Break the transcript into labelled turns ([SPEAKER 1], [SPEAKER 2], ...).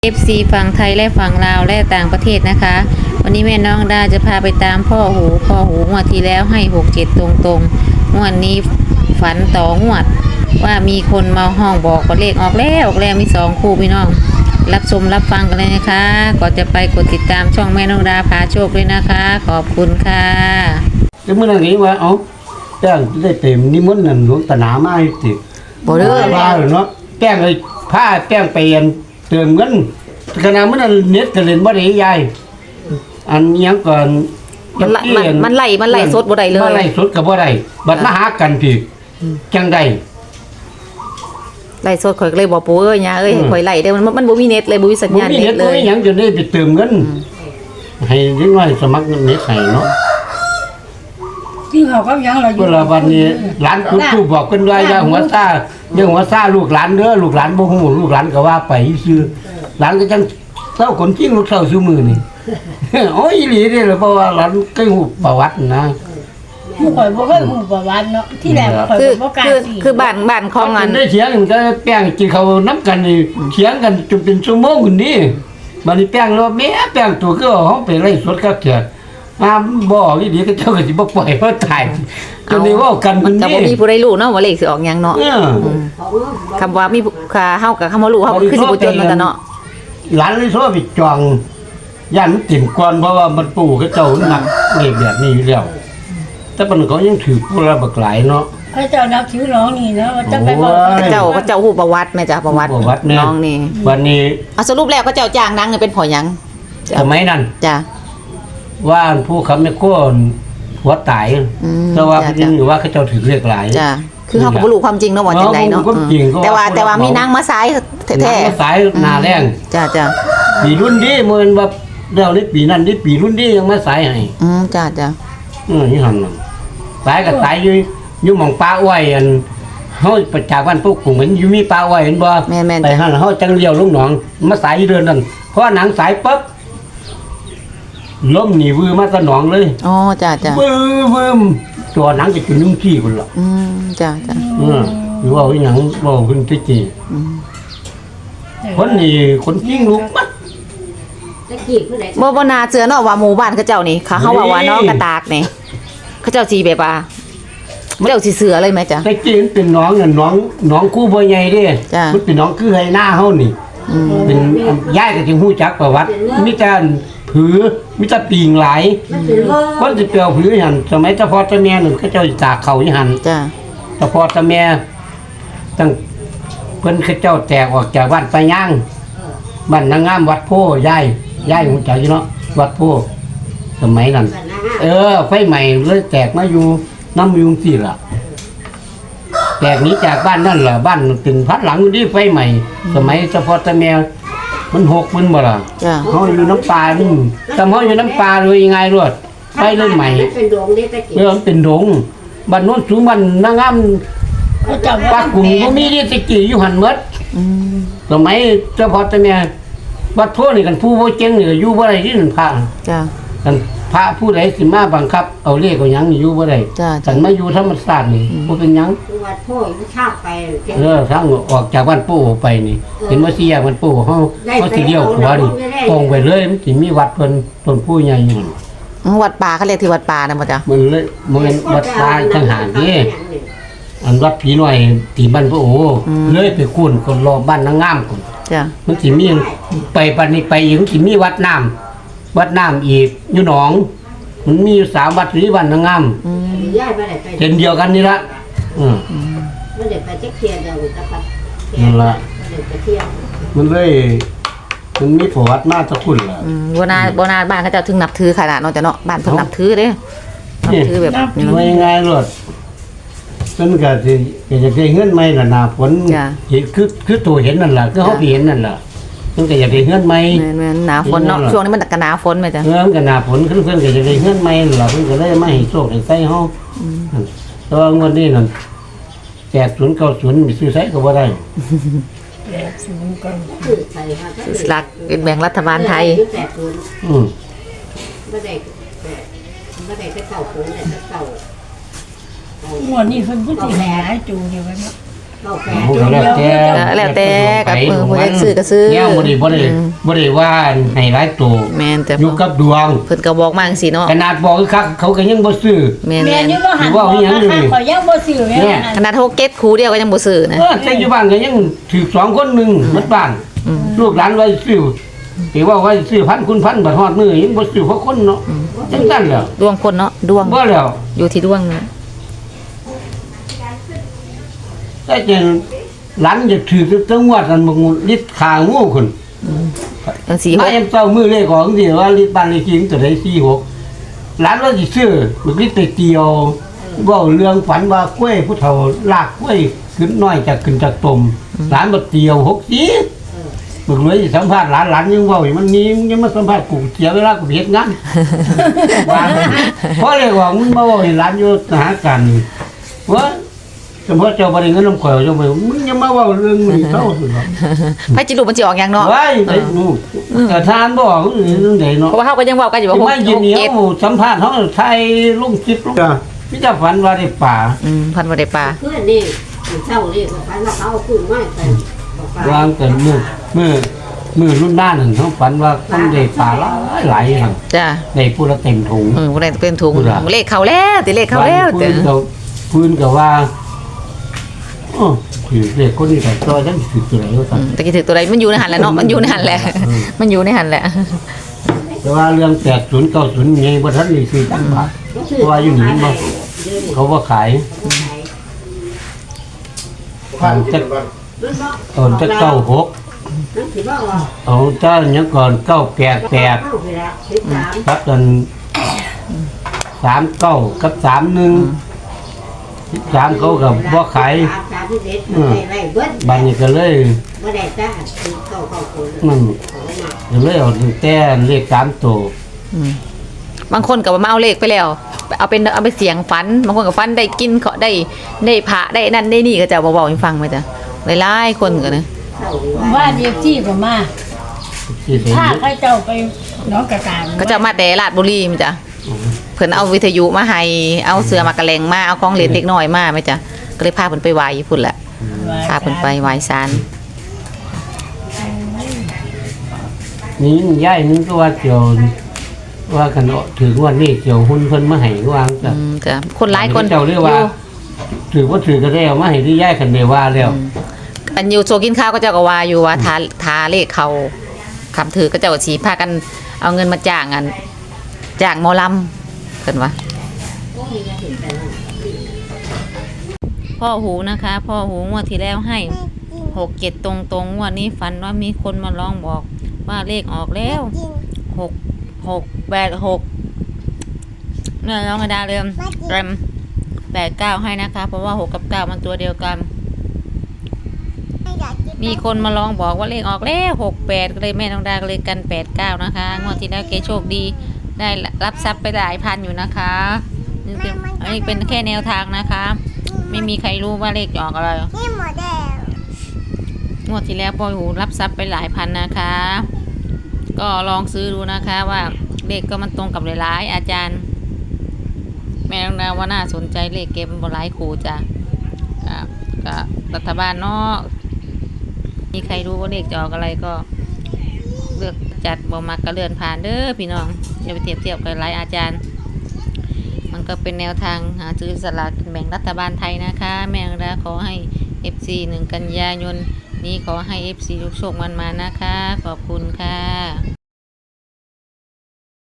[SPEAKER 1] FC ฝั่งไทยและฝั่งลาวและต่างประเทศนะคะวันนี้แม่น้องดาจะพาไปตามพ่อหูงวดที่แล้วให้67ตรงงวดนี้ฝันต่องวดว่ามีคนมาห้องบอกว่าเลขออกแล้วมี2คู่พี่น้องรับชมรับฟังกันเลยนะคะก่อนจะไปกดติดตามช่องแม่น้องดาพาโชคด้วยนะคะขอบคุณค่ะ
[SPEAKER 2] cáiมื่อนี้ว่าเอาแป้งได้เต็มนิมนต์นั่นหลวงตาหนามาให้ติ
[SPEAKER 1] บ่เด้อ
[SPEAKER 2] ว่าเนาะแป้งเลยผ้าแป้งไปเติมเงินขณะมื้อนั้นเน็ตก็เล่นบ่ได้ยายอันยังก่อน
[SPEAKER 1] มันไล่สดบ่ได้เลย
[SPEAKER 2] มันไล่สดก็บ่ได้บัดมาหากันพี่จังได๋
[SPEAKER 1] ไล่สดข่อยก็เลยบอกปู่ย่าให้ข่อยไล่เด้อมันบ่มีเน็ตเลยบ่มีสัญญาณเน็ตเลย
[SPEAKER 2] บ่มีหยังจนได้ไปเติมเงินให้เด็กน้อยสมัครเน็ตให้เนาะ
[SPEAKER 3] ที่เขาก็ยังเราอยู่
[SPEAKER 2] เวลาวันนี้หลานจุดธูปบอกเพิ่นว่าอย่าหัวซ่าลูกหลานเด้อลูกหลานบ่ฮู้ลูกหลานก็ว่าไปซื่อหลานก็จังเศร้าคนจริงลูกเศร้าซื่อมือนี่ โอ้ยอีหลีเด้อเพราะว่าหลานเคยฮู้ประวัตินะ
[SPEAKER 3] ผู้ข่อยบ่เคยฮู้ประวัติเนาะที่แรกข่อยบ่กล้าสิ
[SPEAKER 1] คือบ้านของอัน
[SPEAKER 2] ได้เถียงกันก็แป้งกินข้าวนำกันนี่เถียงกันจนเป็นชั่วโมงพุ่นนี่บัดนี้แป้งแล้วแม่แป้งตัวคือเฮาไปไล่สดกับเถียงมาบ่อีหลีก็เจ้าก็สิบ่ปล่อยเฮาตายจนได้เว้ากัน
[SPEAKER 1] มันก็บ่มีผู้ใดรู้เนาะว่าเลขสิออกหยังเนาะคำว่ามีค่าเฮากับคำว่ารู้เฮาคือสิบ่จนมันเนาะ
[SPEAKER 2] หลานเลยโทรไปจองย่านมันติ่มก่อนเพราะว่ามันปู่เขาเจ้านักเลขแบบนี้อยู่แล้วแต่มันก็ยังถือผู้ละบักหลายเนาะ
[SPEAKER 3] พระเจ้านับถือน้องนี่นะว่าจะไปบอก
[SPEAKER 1] เจ้าฮู้ประวัติแม่จ้ะประวัติน้องนี่
[SPEAKER 2] วันนี้
[SPEAKER 1] สรุปแล้วก็เจ้าจ้างนางเป็นพ่อหยัง
[SPEAKER 2] สมัยนั้น
[SPEAKER 1] จ้ะ
[SPEAKER 2] ว่าผู้คำแม่โคนหัวตายแต่ว่าจริงหรือว่าเขาเจ้าถือเลขหลาย
[SPEAKER 1] จ้ะคือเฮาก็บ่รู้ความจริงเนาะว่าจังไดเนาะแต่ว่ามีนางมาสายแท้
[SPEAKER 2] ๆสายหน้าแรง
[SPEAKER 1] จ้ะ
[SPEAKER 2] ปีรุ่นนี้เหมือนว่าเดี๋ยวนี้ปีนั้นนี่ปีรุ่นนี้ยังมาสายให้
[SPEAKER 1] จ้ะ
[SPEAKER 2] นี่หั่นน่ะสายก็สายอยู่หม่องป่าอ้อยอันเฮาไปจากบ้านพวกกลุ่มเห็นอยู่มีป่าอ้อยเห็นบ่ไปหั่นเฮาจังเลี้ยวลงหนองมาสายอยู่เดือนนั้นเพราะหนังสายปั๊บล้มหนีวือมาสนองเลย
[SPEAKER 1] อ๋อจ้ะ
[SPEAKER 2] วือตัวหนังจะกินนุ่งขี้พุ่นล่ะ
[SPEAKER 1] จ้ะ
[SPEAKER 2] หรือว่าอีหยังบ่เพิ่นสิจีคนนี่คนจริงลูกมัด
[SPEAKER 1] บ่น่าเชื่อเนาะว่าหมู่บ้านเขาเจ้านี่เขาว่าน้องกระตากนี่เขาเจ้าสิแบบว่าเจ้าสิเสือเลยมั้ยจ๊ะ
[SPEAKER 2] แต่จริงเป็นน้องน่ะน้องคู่บ่ใหญ่เด้มันเป็นน้องคือไห้หน้าเฮานี่เป็นยายก็สิฮู้จักประวัติมีแต่ผือมีแต่ปีงหลายคนสิเปียวผือหั่นสมัยเจ้าพ่อเจ้าแม่นั่นเขาเจ้าตากเขาอีหั่น
[SPEAKER 1] จ้ะ
[SPEAKER 2] เจ้าพ่อเจ้าแม่ตั้งเพิ่นเขาเจ้าแตกออกจากบ้านไปย่างบ้านนางงามวัดโพยายฮู้จักอยู่เนาะวัดโพสมัยนั้นไฟใหม่เลยแตกมาอยู่น้ำยุงสิล่ะแตกนี้จากบ้านนั่นล่ะบ้านเป็นพัดหลังนี่ไฟใหม่สมัยเจ้าพ่อเจ้าแม่มันหกมันบ่ล่ะเฮาอยู่น้ำปลานี่แต่เฮาอยู่น้ำปลาเลยยังไงรวดไฟเลยใหม่มันเป็นดงบ้านโน้นสูงบ้านนางงามปากกุ้งบ่มีนี่ตะกี้อยู่หั่นหมดสมัยเจ้าพ่อเจ้าแม่วัดโพนี่กันผู้บ่เจ๋งนี่ก็อยู่บ่ได้ที่นั่นพระ
[SPEAKER 1] จ้ะ
[SPEAKER 2] กันพระผู้ใดสิมาบังคับเอาเลขเอาหยังอยู่บ่ได้กันมาอยู่ธรรมชาตินี่บ่เป็นหยัง
[SPEAKER 3] วัดโพอยู่ชาติไป
[SPEAKER 2] ทางออกจากบ้านปู่ไปนี่เห็นว่าสิแยกบ้านปู่เฮาสิเลี้ยวขวานี่ตรงไปเลยมันสิมีวัดเพิ่นต้นผู้ใหญ่อยู่
[SPEAKER 1] วัดป่าเขาเรียกที่วัดป่านะบ่จ๊ะ
[SPEAKER 2] มันเลยมันวัดป่าจังหารนี่อันวัดผีน้อยที่บ้านปู่เลยไปคุ้นคนรอบ้านนางงามพุ่น
[SPEAKER 1] จ้ะ
[SPEAKER 2] มันสิมีไปบัดนี้ไปอีกสิมีวัดน้ำอีกอยู่หนองมันมีอยู่3วัดที่บ้านนางงามเห็นเดียวกันนี่ละ
[SPEAKER 3] มันได้ไปจักเที่ยเดียวตะปัด
[SPEAKER 2] นั่นล่ะมันเลยมันมีประวัติมาตะคุณล่ะ
[SPEAKER 1] บ่นาบ้านเขาเจ้าถึงนับถือขนาดเนาะจ้ะเนาะบ้านเพิ่นนับถือเด้นับถือแบบ
[SPEAKER 2] นี้ว่ายังไงรถเพิ่นก็สิจะได้เงินใหม่ล่ะหน้าฝนเห็นคือตัวเห็นนั่นล่ะคือเฮาไปเห็นนั่นล่ะมันก็อยากได้เฮือนใหม่
[SPEAKER 1] แม่นหน้าฝนเนาะช่วงนี้มันก็หน้าฝนแม่จ้ะ
[SPEAKER 2] มันก็หน้าฝนเพิ่นก็อยากได้เฮือนใหม่ล่ะเพิ่นก็เลยมาให้โชคให้ใส่เฮาแต่ว่างวดนี้นั่น8090มีซื้อใส่ก็บ่ได้
[SPEAKER 1] สลากกินแบ่งรัฐบาลไทย
[SPEAKER 3] บ่ได้เก้าโผล่ได้เก้าหมดนี่เพิ่นสิแหจูอยู่ว่าเนาะ
[SPEAKER 2] ผู้ก็แล้วแต่
[SPEAKER 1] แล้วแต่กับผู้ใดซื้อก็ซื้อ
[SPEAKER 2] เนี่ยบ่ได้ว่าให้หลายตัว
[SPEAKER 1] แม่นแต่
[SPEAKER 2] อยู่กับดวง
[SPEAKER 1] เพิ่นก็บอกมาจังซี่เนาะ
[SPEAKER 2] ขนาดบอกคือคักเขาก็ยังบ่ซื้อ
[SPEAKER 1] แม่
[SPEAKER 3] แม่
[SPEAKER 1] น
[SPEAKER 3] นี่บ่หัน
[SPEAKER 2] ว่าอีหยังอยู่นี่
[SPEAKER 3] ข่อยยังบ่ซื้อแม่
[SPEAKER 2] เนี่ย
[SPEAKER 1] ๆขนาด6 7คูเดียวก็ยังบ่ซื้อนะ
[SPEAKER 2] แต่อยู่บ้านก็ยังถือ2คนหนึงหมดบ้านลูกหลานไว้ซื้อสิว่าไว้ซื้อพันคุณพันบัดฮอดมื้อยังบ่ซื้อเพราะคนเนาะจังซั่นแหล้ว
[SPEAKER 1] ดวงคนเนาะดวง
[SPEAKER 2] บ่แล้ว
[SPEAKER 1] อยู่ที่ดวงนะ
[SPEAKER 2] แต่จังหลานจะถือจังหวัดนั้นบ่ลิดขางูคน
[SPEAKER 1] จังซี่
[SPEAKER 2] มาเอ็มเจ้ามือเลขของสิว่าลิดบ้านเลขที่ตัวใด46หลานว่าสิซื้อมันลิดไปเตียวเว้าเรื่องฝันว่ากล้วยผู้เฒ่าลากกล้วยขึ้นน้อยจากขึ้นจากตมหลานบ่เตียว60มึงเลยสัมภาษณ์หลานยังเว้าอยู่มันนี้ยังมาสัมภาษณ์กูเสียเวลากูเฮ็ดงาน ว่าเพราะเลยว่ามึงมาเว้าให้หลานอยู่หากันว่าสมมติเจ้าบ่ได้เงินน้ำข่อยเจ้าไปมึงยังมาเว้าเรื่องนี้เท่าสุดหรอ
[SPEAKER 1] ไผจิรู้มันสิออกหยังเนาะ
[SPEAKER 2] ไว้ไอ้หนูแต่ทานบ่เรื่องใดเนาะ
[SPEAKER 1] เพราะว่าเฮาก็ยังเว้ากันอยู่ว่า
[SPEAKER 2] ไม่ยินเหนียว
[SPEAKER 1] 6
[SPEAKER 2] สัมภาษณ์เฮาไทยลงคลิปลงพี่จะฝันว่าได้ป่า
[SPEAKER 1] 7พันบ่ได้ปลา
[SPEAKER 4] เพื่อนนี่เช่านี่ก็ฝันว่าเขาเอากุ้งมาใส่บอกปลาว
[SPEAKER 2] างกันมือรุ่นหน้านั่นเขาฝันว่าคนได้ป่าหลายๆหั่น
[SPEAKER 1] จ้ะ
[SPEAKER 2] ได้ผู้ละเต็มถุง
[SPEAKER 1] บ่ได้เป็นถุง
[SPEAKER 2] พูดอะ
[SPEAKER 1] เลขเข้าแล้วติเลขเข้าแล้วแต่
[SPEAKER 2] พื้นก็ว่าโอ้คือเด็กคนนี้แต่ตัวฉันคือตัวไหนก็สั่น
[SPEAKER 1] ตะกี้ถือตัวใดมันอยู่ในหันแหละเนาะมันอยู่ในหันแหละมันอยู่ในหันแหละ
[SPEAKER 2] แต่ว่าเรื่อง80 90ไงบ่ทันนี่คือจังบาทเพราะว่าอยู่นี่บ่เขาบ่ขายตอนจะ96
[SPEAKER 4] นั่นถือว่าว่า
[SPEAKER 2] เอาเจ้าหยังก่อน988
[SPEAKER 4] เข้าไปแล้ว13
[SPEAKER 2] ครับตอน39กับ31 13เขาก็บ่ขาย
[SPEAKER 4] 31ได้เบิด
[SPEAKER 2] บัดนี้ก็เลย
[SPEAKER 4] บ่ได้จ้าคือเข้าคน
[SPEAKER 2] มันก็เลยเอาแต่เลข3ตัว
[SPEAKER 1] บางคนก็มาเอาเลขไปแล้วเอาไปเสียงฝันบางคนก็ฝันได้กินเขาได้พระได้นั่นได้นี่ก็จะบอกให้ฟังไหมจ๊ะหลายๆคนก็นะ
[SPEAKER 4] เข้าดีว่า
[SPEAKER 3] ว่าเดียวที่ก็มา
[SPEAKER 2] ที่ใส่
[SPEAKER 3] ถ้า
[SPEAKER 2] เยอะ
[SPEAKER 3] ใครเจ้าไปน้องกระตาง
[SPEAKER 1] ก็จะมาแต่ราชบุรีมั้ยจ๊ะเพิ่นเอาวิทยุมาให้เอาเสือมากระแลงมาเอาของเล่นเด็กน้อยมาไหมจ๊ะก็เลยพาเพิ่นไปไหว้อยู่พุ่นแหละพาเพิ่นไปไหว้ศาล
[SPEAKER 2] นี่ย้ายนึงก็ว่าเกี่ยวว่ากันถือว่านี่เกี่ยวหุ้นเพิ่นมาให้วางจ้ะ
[SPEAKER 1] จ้ะคนหลายคน
[SPEAKER 2] เจ้าเรียกว่า ถือว่าถือก็ได้เอามาให้ที่ย้ายกันได้ว่าแล้ว
[SPEAKER 1] อันอยู่โซกินข้าวก็เจ้าก็ว่าอยู่ว่าทาเลขเขาคำถือก็เจ้าก็สิพากันเอาเงินมาจ้างหมอลำเพิ่นว่า พ่อหูนะคะ พ่อหูงวดที่แล้วให้6 7ตรงงวดนี้ฝันว่ามีคนมาร้องบอกว่าเลขออกแล้ว6 เนี่ยร้องกระดาเริ่ม8 9ให้นะคะ เพราะว่า6กับ9มันตัวเดียวกัน มีคนมาร้องบอกว่าเลขออกแล้ว68ก็เลยแม่น้องดาก็เลยกัน89นะคะงวดที่แล้วเกโชคดีได้รับทรัพย์ไปหลายพันอยู่นะคะอันนี้เป็นแค่แนวทางนะคะ ไม่มีใครรู้ว่าเลขจะออกอะไรงวดที่แล้วพ่อหูรับทรัพย์ไปหลายพันนะคะ ก็ลองซื้อดูนะคะว่าเลขก็มันตรงกับหลายๆอาจารย์ แม่น้องดาว่าน่าสนใจเลขเก็บมันบ่หลายครูจ้ะก็รัฐบาลเนาะมีใครรู้ว่าเลขจะออกอะไรก็เลือกจัดบ่มักก็เลื่อนผ่านเด้อพี่น้องอย่าไปเทียบกับหลายอาจารย์ มันก็เป็นแนวทางหาซื้อสลากกินแบ่งรัฐบาลไทยนะคะ แม่งดาขอให้ FC 1 กันยายนนี้ขอให้ FC ทุกโชคมันมานะคะ ขอบคุณค่ะ